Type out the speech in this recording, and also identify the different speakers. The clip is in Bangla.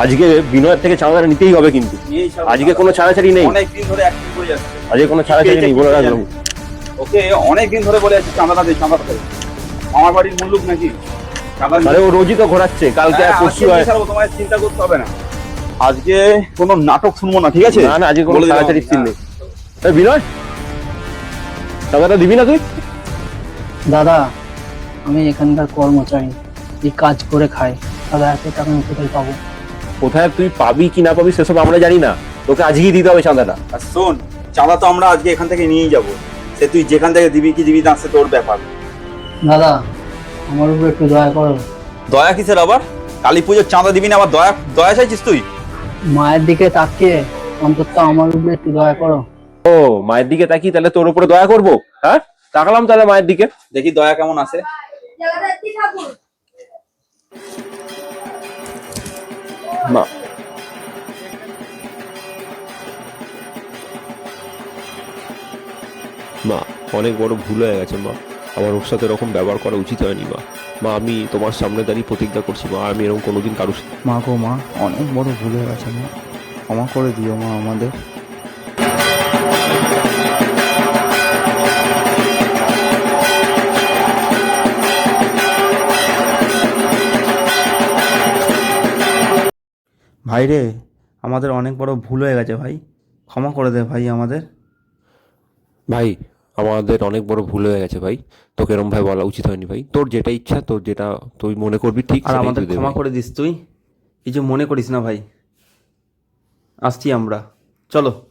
Speaker 1: আজকে বিনয়ের থেকে চাঁদাটা নিতেই হবে কিন্তু আজকে কোনো ছাড়াছাড়ি নেই।
Speaker 2: অনেকদিন ধরে অ্যাক্টিং করে যাচ্ছে,
Speaker 1: আজকে কোনো ছাড়াছাড়ি নেই বলে রাখলাম।
Speaker 2: ওকে অনেকদিন ধরে বলে যাচ্ছে চাঁদাটা দে চাঁদাটা দে। আমার বাড়ির মুল্লুক নাকি চাঁদা
Speaker 1: আরে ও রোজই তো ঘোরাচ্ছে, কালকে আর পরশু হয়।
Speaker 2: তোমার চিন্তা করতে হবে না, আজকে কোনো নাটক শুনবো না, ঠিক আছে?
Speaker 1: না না, আজকে কোনো
Speaker 2: বলে দিলাম
Speaker 1: ছাড়াছাড়ি
Speaker 2: আমি।
Speaker 1: সিন নেই। এই বিনয়, টাকাটা দিবি না তুই?
Speaker 3: দাদা আমি এখানকার কর্মচারী, এই কাজ করে খাই, দাদা এত টাকা আমি কোথায় পাবো?
Speaker 1: কোথায় তুই পাবি কি না পাবি সেসব আমরা জানি না, তোকে আজকেই দিতে হবে চাঁদাটা।
Speaker 2: আর শোন, চাঁদা তো আমরা আজকে এখান থেকে নিয়েই যাবো, সে তুই যেখান থেকে দিবি কি দিবি না সে তোর ব্যাপার।
Speaker 3: দাদা আমার উপর একটু দয়া করো।
Speaker 2: দয়া কিসের আবার? কালী পুজোর চাঁদা দিবি না আবার দয়া দয়া চাইছিস তুই?
Speaker 3: মায়ের দিকে তাকিয়ে অন্তত আমার উপর একটু দয়া করো।
Speaker 1: ও মায়ের দিকে তাকিয়ে তাহলে তোর উপরে দয়া করবো? হ্যাঁ তাকালাম তাহলে মায়ের দিকে,
Speaker 2: দেখি দয়া কেমন আছে।
Speaker 1: মা মা অনেক বড় ভুল হয়ে গেছে মা, আমার ওর সাথে এরকম ব্যবহার করা উচিত হয়নি মা। মা আমি তোমার সামনে দাঁড়িয়ে প্রতিজ্ঞা করছি মা, আমি এরকম কোনোদিন কারোর সাথে।
Speaker 4: মা গো মা, অনেক বড় ভুল হয়ে গেছে মা, ক্ষমা করে দিও মা আমাদের। ভাই রে, আমাদের অনেক বড় ভুল হয়ে গেছে ভাই, ক্ষমা করে দে ভাই আমাদের।
Speaker 1: ভাই আমাদের অনেক বড় ভুল হয়ে গেছে ভাই, তোকে এরকম ভাই বলা উচিত হয়নি ভাই। তোর যেটা ইচ্ছা, তোর যেটা তুই মনে করবি ঠিক,
Speaker 4: আর
Speaker 1: সেটাই
Speaker 4: আমাদের
Speaker 1: তুই দে
Speaker 4: ক্ষমা
Speaker 1: ভাই।
Speaker 4: করে দিস তুই, কিছু মনে করিস না ভাই। আসছি আমরা, চলো।